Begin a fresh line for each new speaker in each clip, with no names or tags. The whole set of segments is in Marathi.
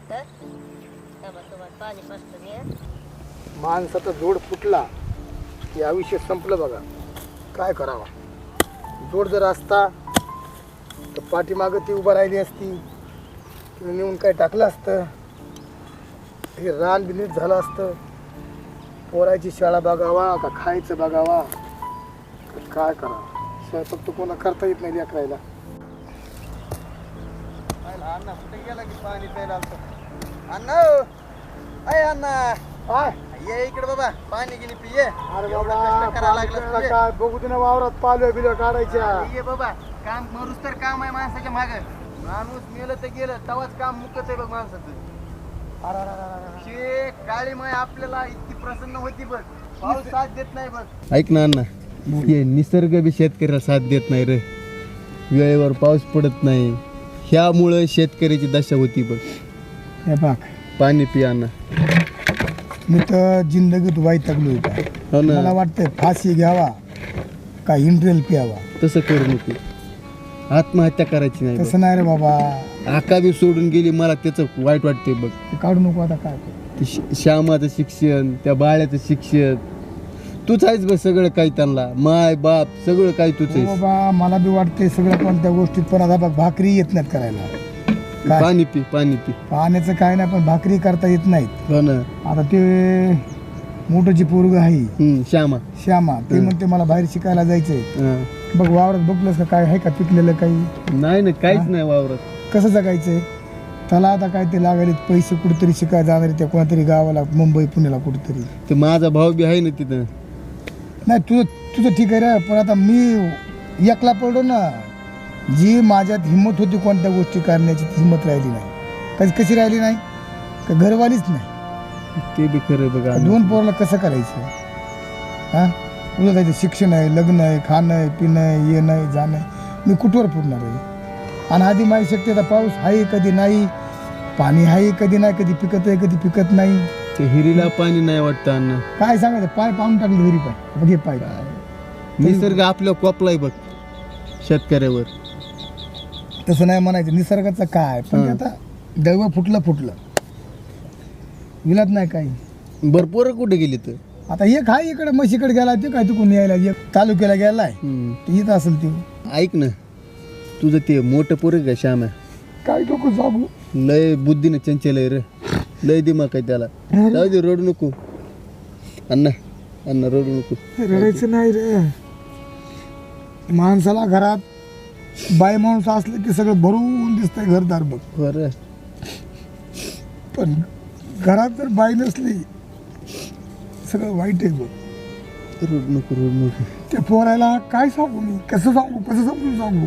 का तुम्हाला पाणी पाजतो मी.
माणसाचा जोड फुटला की आयुष्य संपलं बघा. काय करावा, जोड जर असता तर पाठीमागं ती उभं राहिली असती, तिने नेऊन काय टाकलं असतं, हे रान बिनीट झालं असतं. पोरायची शाळा बघावा का खायचं बघावा, तर काय करावं. स्वयंपाक तर कोणा करता येत नाही लेकरायला. अण्णा कुठे गेला की पाणी प्यायला आलतं. अण्णा अय अण्णा काय ये इकडे बाबा, पाणी गिनी पिये. अरे बाबा काय बघू दे ना, वावरात पालव्या बिलव्या काढायच्या. ये बाबा, काम मरूस तर काम आहे माणसाच्या माग. माणूस मेलं तर गेलं, तवाच काम मुकत आहे बघ माणसाचं. अरे काळी माय आपल्याला इतकी प्रसन्न होती बघ, पाऊस साथ देत नाही बघ.
ऐक ना अण्णा, हे निसर्ग बी शेतकऱ्याला साथ देत नाही रे. वेळेवर पाऊस पडत नाही, ह्यामुळं शेतकऱ्याची दशा होती बघ.
हे बघ,
पाणी पी अण्णा.
मी तर जिंदगीत वैतागलो होता.
हो ना,
मला वाटतंय फाशी घ्यावा का इंट्रेल प्यावा.
तसं करू नको, आत्महत्या करायची नाही बघ.
तसं नाही रे बाबा,
आका बी सोडून गेली, मला त्याचं वाईट वाटते बघ.
ते काढू नको आता. काय करू?
ते श्यामाचं शिक्षण, त्या बाळ्याचं शिक्षण, तूच आहेस बघ सगळं काही. त्यांना माय बाप सगळं काही तूच
हो
आहेस.
बाबा, मला बी वाटते सगळं, पण त्या गोष्टीत पण आता बघ भाकरी येत नाहीत करायला. काय?
पाणी पी, पाणी पी.
पाण्याचं काय नाही, पण भाकरी करता येत नाहीत.
हो ना.
आता ते मोठं पोरग आहे
श्यामा,
श्यामा, ते म्हणते मला बाहेर शिकायला जायचंय.
हं.
बघ वावरात बघलंस का, काय आहे का पिकलेलं काही?
नाही ना, काहीच नाही वावरत.
कसं जगायचंय त्याला? आता काय ते लागले पैसे, कुठेतरी शिकायला जाणार त्या कोणातरी गावाला, मुंबई पुण्याला कुठेतरी.
ते माझा भाऊ बी आहे ना तिथं.
नाही तुझं तुझं ठीक आहे रे, पण आता मी एकला पडलो ना. जी माझ्यात हिंमत होती कोणत्या गोष्टी करण्याची, ती हिंमत राहिली नाही. कशी राहिली नाही का? घरवालीच नाही.
ते बी खरं बघा.
दोन पोराला कसं करायचं? हा, तुझं जायचं शिक्षण आहे, लग्न आहे, खाणं आहे, पिणं आहे, येणं आहे, जाणं आहे. मी कुठवर पुरणार आहे? आणि आधी माझी शक्ती, आता पाऊस आहे कधी नाही, पाणी आहे कधी नाही, कधी पिकत आहे कधी पिकत नाही.
ते हिरीला पाणी नाही वाटतं अण्णा.
काय सांगायचं, पाय पाहून टाकलं घरी. पाय बघ, हे पाय.
निसर्ग आपल्या कोपलाय बघ शेतकऱ्यावर.
तसं नाही म्हणायचं, निसर्गाचं काय, पण ते आता दैव फुटलं विलात नाही काही.
भरपूर कुठे गेली तर.
आता एक आहे इकडे म्हशीकडे गेला, ते काय तिकडून यायला, एक तालुक्याला गेलाय, ते येत असेल ते.
ऐक ना, तुझं ते मोठं पोरं का श्याम आहे,
काय नको सांगू,
लय बुद्धीने चंचल आहे रे, लय दिमाग आहे त्याला. जाऊ दे, रडू नको अण्णा, अण्णा रडू नको.
रडायचं नाही रे. माणसाला घरात बाई माणूस असलं की सगळं भरून दिसतंय घरदार बघ.
बरं,
पण घरात जर बाई नसली सगळं वाईट आहे बघ.
रडू नको, रडू नको.
त्या पोरायला काय सांगू मी, कसं समजून सांगू.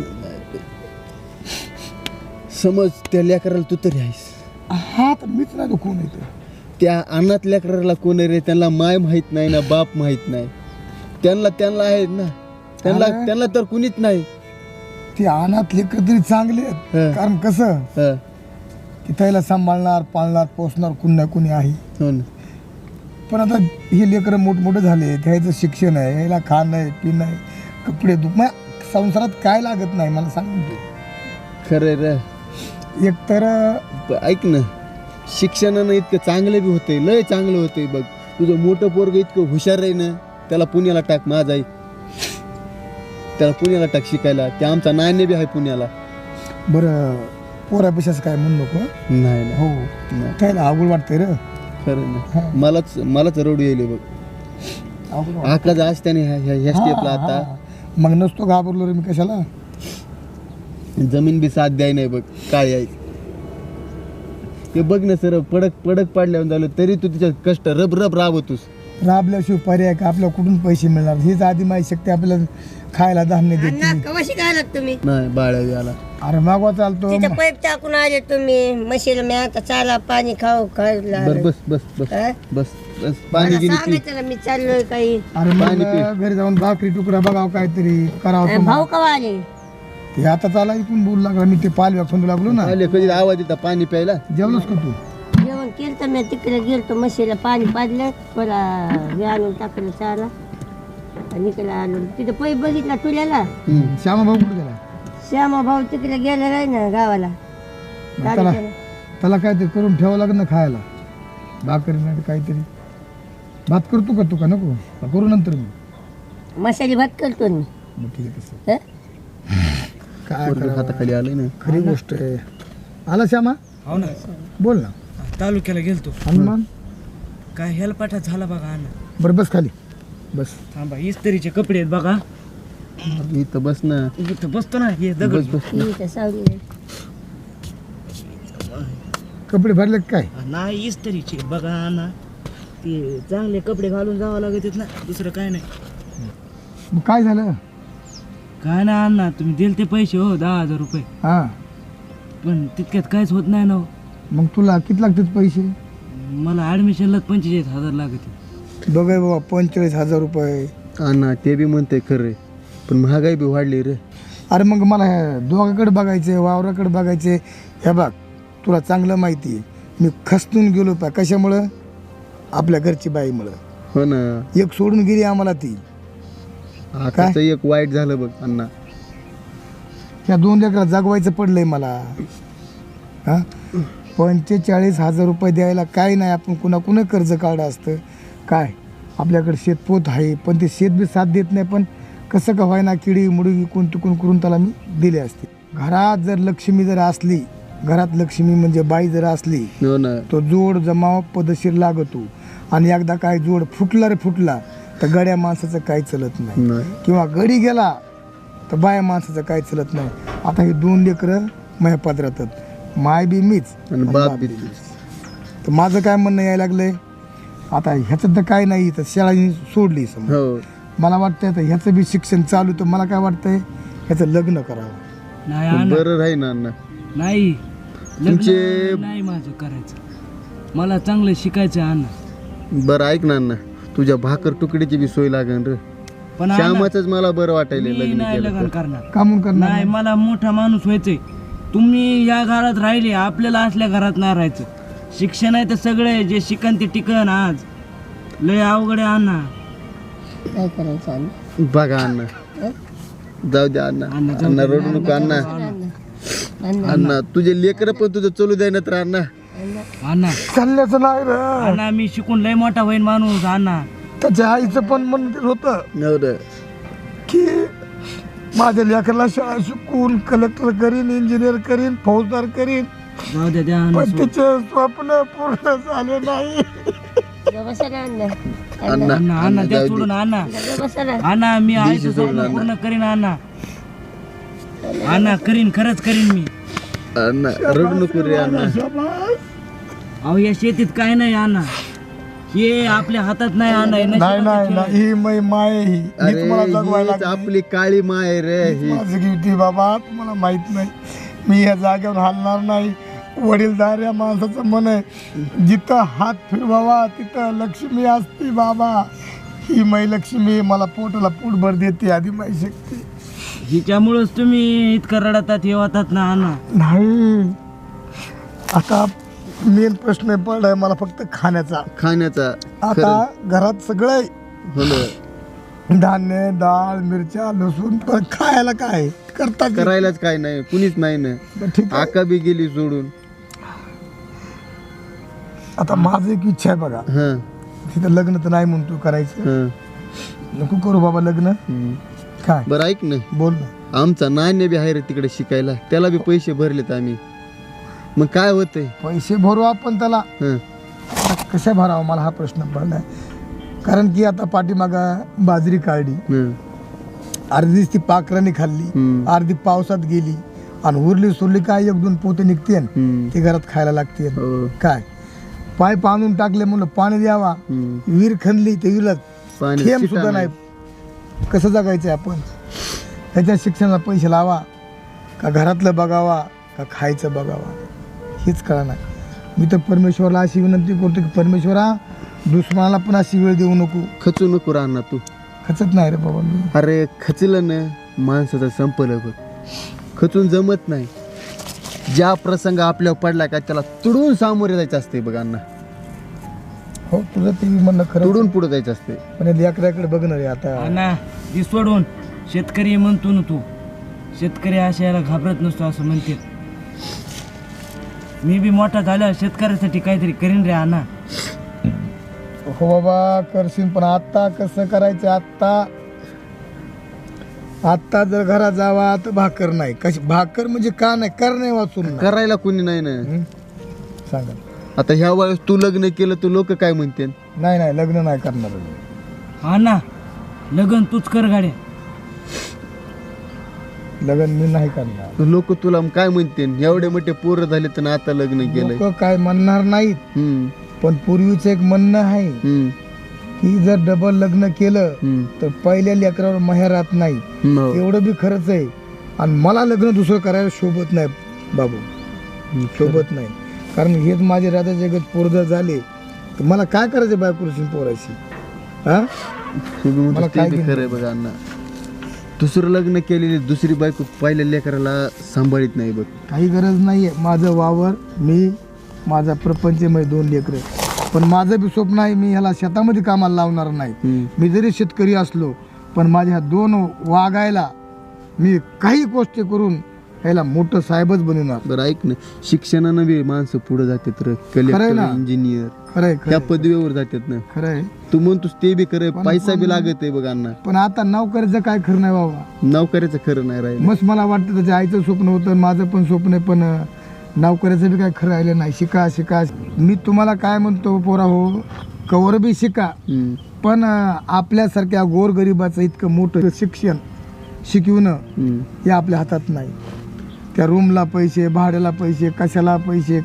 समज त्या लेकराला तू तरी आहेस.
हा, तर मीच नाही, तो कोण येतो.
त्या अनाथ लेकराला कोण आहे रे? त्यांना माय माहीत नाही ना, बाप माहीत नाही. त्यांना आहेत ना, त्यांना तर कुणीच नाही.
ते अनाथ लेकर तरी चांगले आहेत.
हं.
कारण कसं,
हं.
की त्याला सांभाळणार, पाळणार, पोसणार कुणी ना कुणी आहे.
हो ना.
पण आता हे लेकरं मोठमोठे झाले, त्याचं शिक्षण आहे, याला खाणं आहे, पिणं आहे, कपडे मग संसारात काय लागत नाही मला सांग तू.
खरं रे.
एक तर
ऐक ना, शिक्षणानं इतकं चांगलं बी होतंय, लय चांगलं होतंय बघ. तुझं मोठं पोरग इतकं हुशार आहे ना, त्याला पुण्याला टाक. माझा आई त्याला पुण्याला टाक शिकायला. ते आमचा नाणे बी आहे पुण्याला.
बरं, पोरापेक्षाच काय म्हणू नको.
नाही ना.
हो, त्याला अवघड वाटतंय रे.
खरं ना. मलाच रडू येईल बघ.
अवघड
आकाच आज त्याने ह्या स्टेपला आता.
मग नसतो घाबरलो रे मी कशाला.
जमीन बी साथ द्याय नाही बघ, काय आहे ते बघ ना सर. पडक पाडल्यावर झालं तरी तू तिच्या कष्ट रब राबवतोस.
राबल्याशिवाय पर्याय का, आपल्याला कुठून पैसे मिळणार. हीच आधी माझी शक्ती आपल्याला खायला धान्य देते.
अण्णा कवाशी काय लागत तुम्ही?
नाही बाळा आला.
अरे मागवा चालतो.
तिथं पाईप टाकून आले तुम्ही म्हशीला. मी आता चाला पाणी खाऊ खायला.
बर बस बस बस
हा?
बस बस पाणी गिनी पी.
सांगायचं ना मी चाललोय काही.
अरे
पाणी
मग घरी जाऊन भाकरी तुकडा बघावं काहीतरी करावं.
भाऊ कवा आले?
ते आता चाला इकडून बोलू लागला. मी ते पालव्या फोन लागलो ना.
आले कधी आवाज येतात पाणी प्यायला.
जेवलोस का तू?
जेवण केलं तर मी तिकडे गेलतो म्हशीला पाणी पाजलं, मला हे आणून टाकलं चारा आणि इकडे आलो. तिथं पैप बघितला तुल्याला.
श्यामा भाऊ कुठे गेला?
श्यामा भाऊ तिकडे गेला नाही ना गावाला.
त्याला त्याला काहीतरी करून ठेवावं लागेल ना खायला, भाकरी नाही तर काहीतरी. भात करतो का तू का नको? का करू नंतर मी?
मसाले भात करतो मी.
मग ठीक आहे तसं.
हं?
काय
पोरगं
करावं?
हाताखाली आलंय ना.
खरी गोष्ट आहे. आला श्यामा,
हो ना,
बोल ना.
तालुक्याला गेलतो.
हनुमान,
काय हेलपाठा झाला बघा अण्णा.
बरं बस खाली बस.
थांबा, इस्त्रीचे कपडे आहेत बघा.
इथं बस ना.
इथं बसतो ना, हे
बस
दगड.
बस.
ही तर सावली आहे.
कपडे भरले का काय?
नाही इस्त्रीचे बघा अण्णा, ते चांगले कपडे घालून जावं लागत ना, दुसरं काय नाही.
मग काय झालं?
काय नाही अण्णा, तुम्ही दिले ते पैसे हो 10,000 रुपये,
हा,
पण तितक्यात काहीच होत नाही ना हो.
मग तुला किती लागतात पैसे?
मला ॲडमिशनला 45,000 लागते.
बघाय बाबा, 45,000 रुपये.
अण्णा ते बी म्हणते खरं, पण महागाई बी वाढली रे.
अरे मग मला ह्या दोघाकडे बघायचे, वावराकडे बघायचे. हे बघ, तुला चांगलं माहिती आहे, मी खचून गेलो पा. कशामुळं? आपल्या घरची बाईमुळं.
हो ना.
एक सोडून गेली आम्हाला ती.
आताच एक वाईट झालं बघ अण्णा.
ह्या 2 लेकरा जागवायचं पडलंय मला. हा, 45,000 रुपये द्यायला काय नाही. आपण कुणा कर्ज काढलं असतं काय? आपल्याकडे शेतपोत आहे, पण ते शेत बी साथ देत नाही. पण कसं का व्हायना, किडी मुडी विकून तिकून करून त्याला मी दिले असते. घरात जर लक्ष्मी जर असली, घरात लक्ष्मी म्हणजे बाई जर असली,
हो ना.
तो जोड जमाव पदशीर लागतो. आणि एकदा काय जोड फुटला रे फुटला, तर गड्या माणसाचं काही चलत नाही.
नाही.
किंवा गडी गेला तर बाया माणसाचं काही चलत नाही. आता हे 2 लेकरं माझ्या पदरातात, माय बी मीच
आणि
आणि
बाप
बाप
बी
बी
तूच.
मीच. तर माझं काय म्हणणं यायला लागलंय, आता ह्याचं तर काय नाही, तर शाळा सोडली समजा.
हो.
मला वाटतंय आता ह्याचं बी शिक्षण चालू, तर मला काय वाटतंय ह्याचं लग्न करावं.
नाही अण्णा,
बरं राही ना अण्णा.
नाही
तुमचे-
लग्न नाही माझं करायचं, मला चांगलं शिकायचं आहे अण्णा.
बरं ऐक ना अण्णा, तुझ्या भाकर तुकडीची बी सोय लागेल रे.
पण अण्णा,
श्यामाच मला बरं वाटायला
मी
लग्न
नाही लग्न
केलं तर.
करणार.
का म्हणून करणार
नाही, मला मोठा माणूस व्हायचंय. तुम्ही या घरात राहिले, आपल्याला असल्या घरात नाही राहायचं. शिक्षण आहे तर सगळे जे शिकन ते टिकन. आज लय अवघड आहे अण्णा.
काय करायचं आणि?
बघा अण्णा, जाऊ द्या अण्णा.
अण्णा, जाऊ
अण्णा
दे.
रडू नको अण्णा.
अण्णा,
अण्णा तुझे लेकर पण तुझं चलू द्याय ना तर अण्णा.
अण्णा
चालल्याचं नाही रे.
अण्णा, मी शिकून लय मोठा होईन माणूस अण्णा.
त्याच्या आईचं पण म्हणत होतं
हो रे.
की माझ्या लेकराला शाळा शिकून कलेक्टर करीन, इंजिनियर करीन, फौजदार करीन.
जाऊ द्या द्या अण्णा,
पण
सोड.
तिचे स्वप्न पूर्ण झाले नाही.
गं बसा ना अण्णा.
अण्णा
अण्णा अण्णा द्या
जाऊ दे.
सोडून अण्णा.
गं बसा ना.
अण्णा मी
दिशी
आईचं
सोडून
स्वप्न
अण्णा.
पूर्ण करीन अण्णा. अण्णा करीन, खरंच करीन मी.
अण्णा रडू नको रे अण्णा.
अहो या शेतीत काय नाही अण्णा, हे आपल्या हातात नाही अण्णा, हे
नाही
नशिबाचं
नाही
खेळ आहे.
नाही, ही मै माय ही
अरे
तुम्हाला जगवायला
हीच
लागली.
आपली काळी माय आहे रे ही.
माझं किती बाबा तुम्हाला माहित नाही. मी या जागेवर हलणार नाही. वडीलधार या माणसाचं मन आहे, जिथं हात फिरवावा तिथं लक्ष्मी असते बाबा. ही मै लक्ष्मी मला पोटाला पोटभर देते, आधी माई शक्ती
हिच्यामुळेच तुम्ही इतकं रडतात हे होतात ना अण्णा.
नाही. आता मेन प्रश्न पडलाय मला फक्त खाण्याचा.
खाण्याचा.
आता घरात सगळं आहे.
हो ना.
धान्य, डाळ, मिरच्या, लसूण, पण खायला काय करता की?
करायलाच काय नाही, कुणीच नाही ना.
बरं, ठीक आहे.
आका बी गेली सोडून.
आता माझं एक इच्छा आहे बघा,
हा
तिथं लग्न तर नाही म्हणतो करायचं.
हा.
नको करू बाबा लग्न.
हम्म.
काय
बरं ऐक ना,
बोल ना.
आमचा नाण्य बी आहे रे तिकडे शिकायला, त्याला बी पैसे भरलेत आम्ही. मग काय होतंय?
पैसे भरू आपण त्याला.
हं.
आता कशा भरावं मला हा प्रश्न पडलाय. कारण की आता पाठीमागा बाजरी काढली,
हं.
अर्धीच ती पाखराने खाल्ली,
हम्म.
अर्धी पावसात गेली, आणि उरली सुरली काय 1-2 पोते निघते,
हम्म.
ते घरात खायला लागते.
हो.
काय पाईप आणून टाकले म्हणलं पाणी द्यावा,
हं.
विहीर खणली ते विहिरीला
पाणी
थेंब
शिटा
सुद्धा
नाही.
नाही. कसं जगायचं आपण? त्याच्या शिक्षणाला पैसे लावा का घरातलं बघावा का खायचं बघावा हेच कळा नाही. मी तर परमेश्वराला अशी विनंती करतो की परमेश्वरा, दुश्मनाला पण अशी वेळ देऊ नको.
खचू नको राहणार तू.
खचत नाही रे बाबा मी.
अरे खचलं ना माणसाचं संपलं बघ. खचून जमत नाही. ज्या प्रसंग आपल्यावर पडला का त्याला तुडून सामोरे जायचं असते बघ अण्णा.
हो, तुझं ते म्हणणं खरं.
तुडून पुढे जायचं असते.
पण या लेकराकडे बघ ना रे आता.
अण्णा ती सोडून शेतकरी म्हणतो ना तू, शेतकरी अशा याला घाबरत नसतो असं म्हणते. मी बी मोठा झाल्यावर शेतकऱ्यासाठी काहीतरी करीन रे अण्णा.
हो बाबा करशील, पण आता कसं करायचं? आत्ता जर घरात जावा तर भाकर नाही. कशी भाकर म्हणजे का नाही? कर नाही वाचून नाही.
करायला कोणी नाही ना.
सांगा.
आता ह्या वेळेस तू लग्न केलं तर लोक काय म्हणतील?
नाही लग्न नाही करणार.
अण्णा लग्न तूच कर गाड्या.
लग्न मी नाही करणार.
लोक तुला काय म्हणतील? एवढे मोठे पोरं झाले तर आता लग्न केलंय.
लोक काय म्हणणार नाहीत,
हम्म,
पण पूर्वीचं एक म्हणणं आहे
हम्म,
की जर डबल लग्न केलं
हम्म.
तर पहिल्या लेकरावर माहेर राहत नाही.
हो.
एवढं बी खरंच आहे. आणि मला लग्न दुसरं करायला शोभत नाही बाबू, शोभत नाही. कारण हेच माझे राजा जगत पोर जर झाले तर मला काय करायचं बायकोशी पोराशी? हा
तुम्ही म्हणता
मला
ते
काय
बी
घेणं?
खरंय बघा अण्णा. दुसरं लग्न केलेली दुसरी बायको पहिल्या लेकराला सांभाळीत नाही बघ.
काही गरज नाहीये. माझं वावर, मी, माझा प्रपंच, माझे 2 लेकरं. पण माझं बी स्वप्न आहे, मी ह्याला शेतामध्ये कामाला लावणार नाही.
हम्म.
मी जरी शेतकरी असलो पण माझ्या 2 वागायला मी काही गोष्टी करून ह्याला मोठं साहेबच बनवणार.
बरं ऐक ना, शिक्षणानं बी माणसं पुढे जातात रे.
खरंय
कलेक्टर,
ना.
इंजिनियर
खरंय
त्या पदवीवर जातात ना.
खरंय.
तू म्हणतोस ते बी खरंय, पैसा बी लागत आहे बघ अण्णा.
पण आता नोकरीचं काय खरं नाही बाबा.
नोकरीचं खरं नाही राहिलं.
मस्त मला वाटतं त्याच्या आईचं स्वप्न होतं, माझं पण स्वप्न आहे, पण नोकरीचं बी काय खरं राहिलं नाही. शिका. मी तुम्हाला काय म्हणतो पोरा हो, कवर बी शिका,
हम्म,
पण आपल्यासारख्या गोरगरिबाचं इतकं मोठं शिक्षण शिकवणं
हम्म.
हे आपल्या हातात नाही. त्या रूमला पैसे, भाड्याला पैसे, कशाला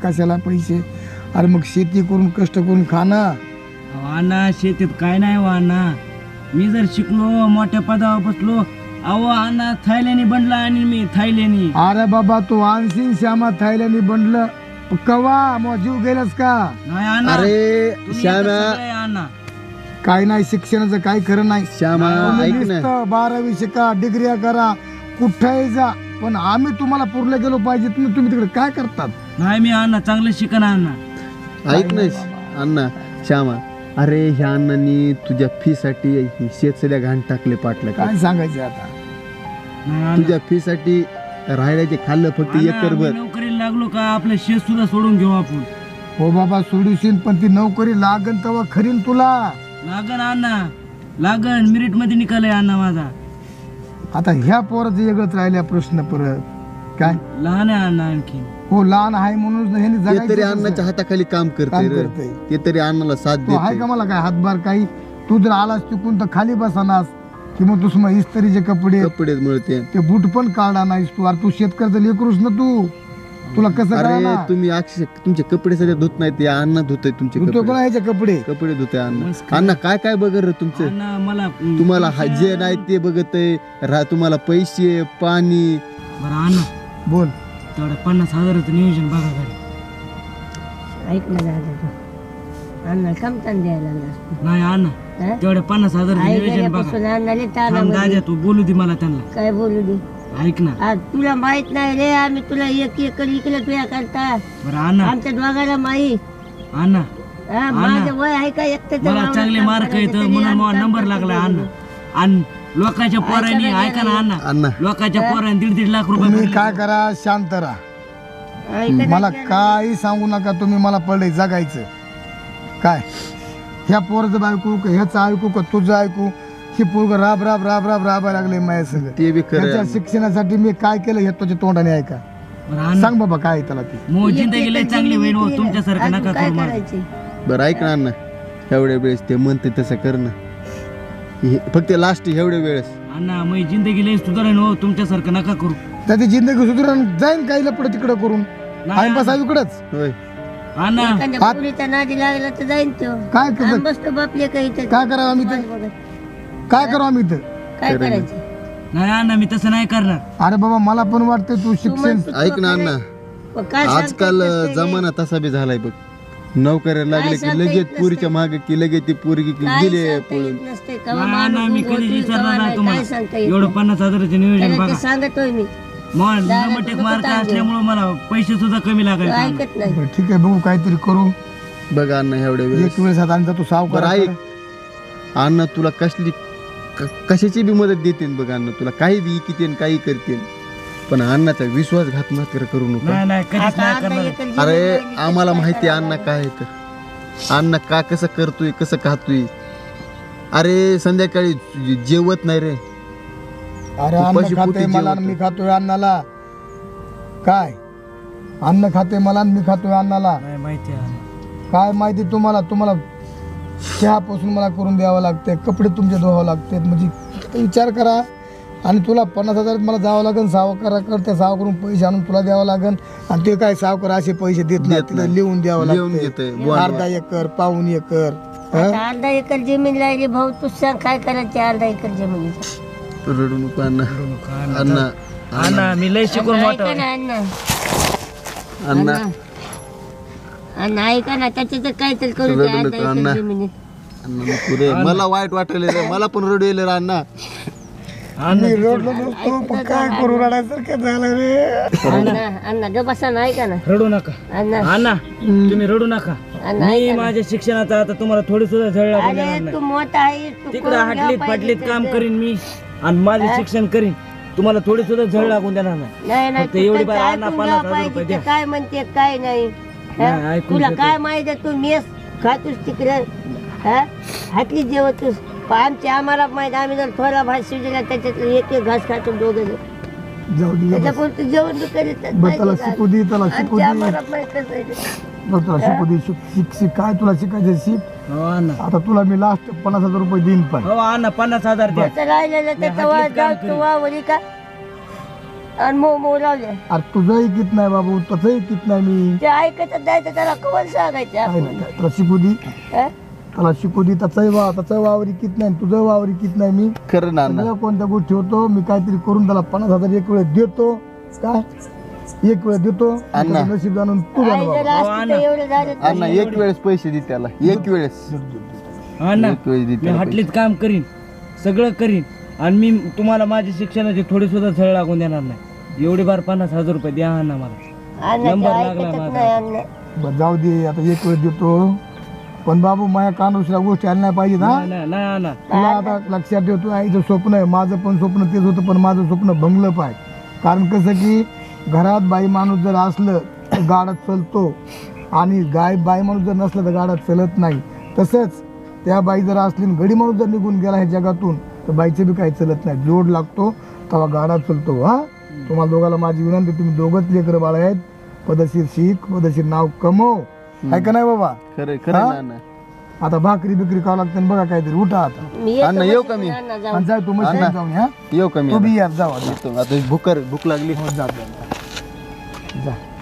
पैसे. अरे मग शेती करून कष्ट करून खाणं.
अहो अण्णा शेतीत काय नाही हो अण्णा. मी जर शिकलो मोठ्या पदावर बसलो, अहो अण्णा थायलंडी बनला आणि मी थायलंडी.
अरे बाबा तू आणशील श्यामा थायलंडी बनलं कवा मग जीव गेलास का?
नाही अण्णा,
अरे
तुम्ही
श्यामा,
एकच सगळे अण्णा.
काय नाही, शिक्षणाचं काही खरं नाही.
श्यामा
तुम्ही
ऐक ना.
नुसतं 12वी शिका, डिग्र्या करा, कुठेही जा, पण आम्ही तुम्हाला पुरले गेलो पाहिजे. तुम्ही तिकडे काय करतात?
नाही मी अण्णा चांगलं शिकन अण्णा.
ऐक ना अण्णा, श्यामा, अरे ह्या अण्णांनी तुझ्या फी साठी शेत सध्या घाण टाकले पाटलं का?
काय सांगायचं आता?
नाही अण्णा.
तुझ्या फी साठी राहायचे खाल्लं फक्त
अण्णा,
एकरभर.
मी नोकरीला लागलो का आपलं शेत सुद्धा सोडून घेऊ आपण.
हो बाबा सोडूशील, पण ती नोकरी लागन तेव्हा खरीन तुला.
लागन अण्णा, लागन. मेरिट मध्ये निकाल अण्णा माझा.
आता ह्या पोराचं वेगळंच राहिल्या प्रश्न परत. काय
लहान आहे अण्णा आणखी.
हो लहान आहे म्हणून ह्याने
ते तरी
जगायचं
अण्णाच्या
कसं?
हाताखाली काम
काम
करते रे.
करतंय.
ते तरी अण्णाला साथ
तो आहे
देते.
का मला काय हातभार काही? तू जर आलास तिकून तर खाली बसानास, कि मग तू मग इस्त्रीचे कपडे,
कपडे मिळते.
ते बूट पण काढा नाहीस तू. अरे तू शेतकऱ्याचं लेकरूस ना तू, तुला कसं
अरे
कळणार?
तुम्ही अक्षय तुमचे कपडे सध्या धुत नाहीत, या अण्णा धुतय तुमचे
तू तो
कपडे.
कोणा ह्याचे कपडे?
कपडे धुतय अण्णा.
मस्त.
अण्णा काय बघ रे तुमचं.
अण्णा मला
तुम्हाला जे नाही ते बघत आहे. तुम्हाला पैसे पाणी.
बरं अण्णा,
बोल.
तेवढं 50,000चं नियोजन बघा घरी.
ऐक ना दादा तू. अण्णा कमतान द्यायला लागला.
नाही अण्णा,
हा?
तेवढं 50,000चं
आई
नियोजन
गेल्यापासून
बघा.
अण्णाले ताना
थांब
मध्ये.
दादा, तू बोलू दे मला त्यांना.
काय बोलू दे?
ऐक ना.
आज तुला माहित नाही रे, आम्ही तुला 1 एकर इकलं तुया करता.
बरं अण्णा,
आमच्या दोघाला माहीत.
अण्णा
हा, माझं वय आहे का एकट्याचं
मला
वावरात
चांगले
काम
मार्क
करायचं,
येतं
तरी
म्हणून
आम्ही
मला
काम
नंबर
करतो
लागला
दोघं.
अण्णा. आणि लोकांच्या पोरांनी ऐका ना अण्णा,
अण्णा
लोकांच्या पोरांनी 1.5 लाख रुपये
तुम्ही
भरले.
काय करा, शांत राहा.
ऐका
मला
ना,
काही सांगू नका. तुम्ही मला पडले जगायचं काय? ह्या पोराचं ऐकू का ह्याचं ऐकू का तुझं ऐकू? ही पोरग राबायला लागले माझ्या संग.
ते बी खरं
त्याच्या
आहे.
शिक्षणासाठी मी काय केलं हे तुझ्या तोंडाने ऐका.
बरं अण्णा,
सांग बाबा काय आहे त्याला ते.
मो
एक
जिंदगी लय
एकर
चांगली
जमीन
होईल हो,
विकली ना.
तुमच्यासारखं
अजून
नका
काय
करू मला.
करायचे?
बरं ऐक ना अण्णा, एवढ्या वेळेस ते म्हणते तसं कर ना. फक्त लास्ट एवढ्या वेळेस.
अण्णा मी जिंदगी लय सुधारेन हो, तुमच्यासारखं नका करू.
त्याची जिंदगी सुधारून जाईन काही लपड तिकडं करून.
नाही
आम्ही बसा इकडंच.
होय.
अण्णा
एखाद्या
हात-
पोरीचा नादी लागला तर जाईन तो.
काय
आम्ही
करत
बसतो बापले काही तर.
काय करावं आम्ही इथं?
बघत.
काय करावं आम्ही इथं?
काय करायचं?
नाही अण्णा, मी तसं नाही करणार.
अरे बाबा मला पण वाटतंय तू
तू
शिक्षण.
म्हणतो
ऐक ना अण्णा,
पण काय सांगता
आजकाल
येत नसतंय रे.
जमाना तसा बी झालाय बघ. नोकऱ्या लागले की
सांगता
लगेच
येत
पुरीच्या मागे की लगेच ती पोरगी की
काय
गेले
सांगता
पळून.
येत नसतंय. केव्हा
नाही
माणूस
अण्णा, मी
उभं
कधीच
होतील,
विचारणार
केव्हा
नाही
नाही, काय
तुम्हाला.
सांगता येत
एवढं
नाही.
50,000चं नियोजन
त्याला
बघा.
ते सांगतोय मी.
मग
दादा,
नंबर
तुझं
मार्क
कुठं
असल्यामुळे मला पैसे सुद्धा कमी
तो
लागायचे.
ऐकत नाही.
बरं, ठीक आहे बघू काहीतरी करू.
बघ अण्णा एवढ्या वेळेस.
एक वेळेस आता आणि तू सावकार
बरं ऐक अण्णा, तुला कशाची बी मदत देते बघ अण्णा. तुला काही बी किती काही करते. पण अण्णाचा विश्वासघात मात्र करू नका.
नाही नाही कधीच
आता
नाही
अर्धा
करणार.
एकर जमीन
अरे
राहिली,
आम्हाला
त्याचं
माहिती
काय
आहे अण्णा काय आहे तर अण्णा का कसं करतोय कसं खातोय. अरे संध्याकाळी जेवत नाही रे.
अरे
तू
अन्न
पशी
खाते
पोटी
मला आणि
जेवतो.
मी खातोय अन्नाला. काय अन्न खाते मला आणि मी खातोय अन्नाला.
नाही माहिती आहे.
काय माहिती तुम्हाला. तुम्हाला चहापासून मला करून द्यावं लागते, कपडे तुमचे धुवावं लागते. म्हणजे विचार करा. आणि तुला 50,000 मला जावं लागेल सावकाराकडे, त्या सावकारून पैसे आणून तुला द्यावं लागेल. आणि ते काय सावकार असे पैसे देत नाही,
देत
तिला
नाही.
लिहून द्यावं
लिहून
लागते.
घेतोय, बॉन्ड.
अर्धा एकर, पाऊण एकर. हं?
आता अर्धा एकर जमीन राहिली भाऊ, तू सांग काय करायचं अर्धा एकर जमिनीचं.
रडू नको अण्णा.
अण्णा
अण्णा
अण्णा मी लय शिकून मोठा
ऐका ना अण्णा,
अण्णा
अण्णा ऐका ना, त्याचं तर काहीतरी करू
रडू
दे अर्धा
नका, अण्णा.
एकर जमिनीत.
अण्णा नको रे. मला वाईट वाटले रे. मला पण रडू येईल रे अण्णा.
मी रडलो नसतो, पण काय करू रडायसारखं झालं रे.
अण्णा अण्णा ग बसा ना, ऐका ना
रडू नका
अण्णा.
अण्णा तुम्ही रडू नका.
अण्णा
मी
ऐका ना.
माझ्या शिक्षणाचा आता तुम्हाला थोडी सुद्धा झळ लागून देणार
अरे
नाही.
तू मोठा आहे, तू
तिकडे
करून घ्या
हाटलीत
पाहिजे
फाटलीत काम
त्याचं.
करीन मी आणि माझे शिक्षण करीन. तुम्हाला थोडी सुद्धा झळ लागून देणार नाही.
नाही नाही
फक्त
तू
एवढी
त्याचं
बार अण्णा
ऐकून
50,000
घ्या पाहिजे,
रुपये
ते
द्या.
काय म्हणते काय नाही.
नाही,
हं?
ऐकून
तुला
घेतो.
काय माहिती तू मेस खातोस तिकडे हातली जेवतोस. आम्हाला माहिती, आम्ही जर थोडा भात शिजला त्याच्यात एक एक घास खातो दोघं जण.
जाऊ दे.
त्याच्यापुढे तू जेवण बी करीत
बरं त्याला शिकू दे, त्याला शिकू दे.
आम्हाला माहितच आहे ते.
बरं तुला शिकू दे. शिक शिक काय तुला शिकायचं शिक.
हो अण्णा.
आता तुला मी लास्ट 50,000 रुपये देईन. पण
हो अण्णा 50,000 द्या.
त्याचं राहिलेलं त्याचं
हातलीत
वा
काम
जाऊ
करीन.
तू वावरी का आणि मऊ लावले.
अरे तुझं ऐकित नाही बाबू, तसं ऐकित नाही मी.
ते ऐकत द्यायचं त्याला कवल सांगायचं
काय
आपण.
नाही काय. त्याला शिकू दे,
हं?
त्याला शिकू दे. त्याचं वावर ऐकित नाही, तुझं वावर ऐकित नाही मी.
खरं ना अण्णा.
सगळ्या कोणत्या गोष्टी होतो मी काहीतरी करून त्याला 50,000 एक वेळ देतो. काय एक वेळ देतो.
अण्णा.
त्याचं नशीब जाणून तू
आई
जाण
जर
बाबा.
असती तर एवढं झालं तर.
अण्णा एक वेळेस पैसे दे त्याला. एक वेळेस
अण्णा
एक वेळेस दे
मी
त्याला
हाटलीत काम करीन, सगळं करीन आणि मी तुम्हाला माझ्या शिक्षणाची थोडी सुद्धा झळ लागून देणार नाही. एवढी बार 50,000 रुपये द्या अण्णा मला.
अण्णा
नंबर
ते
लागला
ऐकतच
माझा.
नाही अण्णा.
बरं, जाऊ दे. आता एक वेळ देतो. पण बाबू माझ्या कानावरच्या गोष्टी आल्या नाही पाहिजे ना.
नाही नाही अण्णा.
तुला आता लक्षात ठेवतो, आईचं स्वप्न आहे, माझं पण स्वप्न तेच होतं. पण माझं स्वप्न भंगलं पाय. कारण कसं की घरात बाई माणूस जर असलं तर गाडा चलतो आणि बाई माणूस जर नसलं तर गाडा चलत नाही. तसंच त्या बाई जर असली आणि गडी माणूस जर निघून गेला ह्या जगातून तर बाईचं बी काही चलत नाही. जोड लागतो तेव्हा गाडा चलतो. हा तुम्हाला दोघाला माझी विनंती, तुम्ही दोघंच लेकरं बाळ आहेत. पदशीर शिक, पदशीर नाव कमव. आहे का नाही बाबा.
खरं खरं
हा?
ना अण्णा.
आता भाकरी बिकरी खावं लागतं ना बघा काहीतरी. उठा आता
मी येतो
अण्णा, येऊ
बसून
का मी?
अण्णा जाऊ.
आणि जाय तू मशीन
अण्णा.
जाऊन या.
येऊ का मी
तू
आता?
बी या, जाऊ आता.
येतो. आता भूक लागली.
हो, जा जा.